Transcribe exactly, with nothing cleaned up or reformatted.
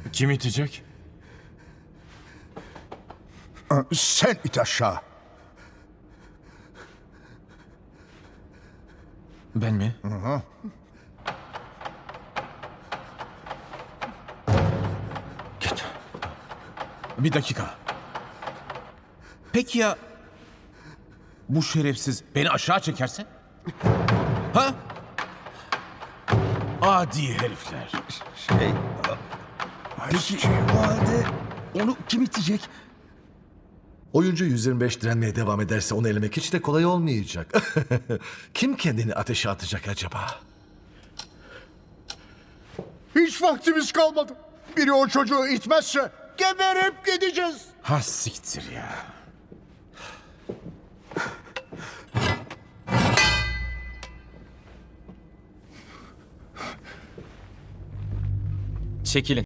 Kim itecek? Sen it aşağı. Ben mi? Hı hı. Git. Bir dakika. Peki ya bu şerefsiz beni aşağı çekerse? Ha? Adi herifler. Şey... Peki o halde onu kim itecek? Oyuncu yüz yirmi beş direnmeye devam ederse onu elemek hiç de kolay olmayacak. Kim kendini ateşe atacak acaba? Hiç vaktimiz kalmadı. Biri o çocuğu itmezse geberip gideceğiz. Ha siktir ya. Çekilin.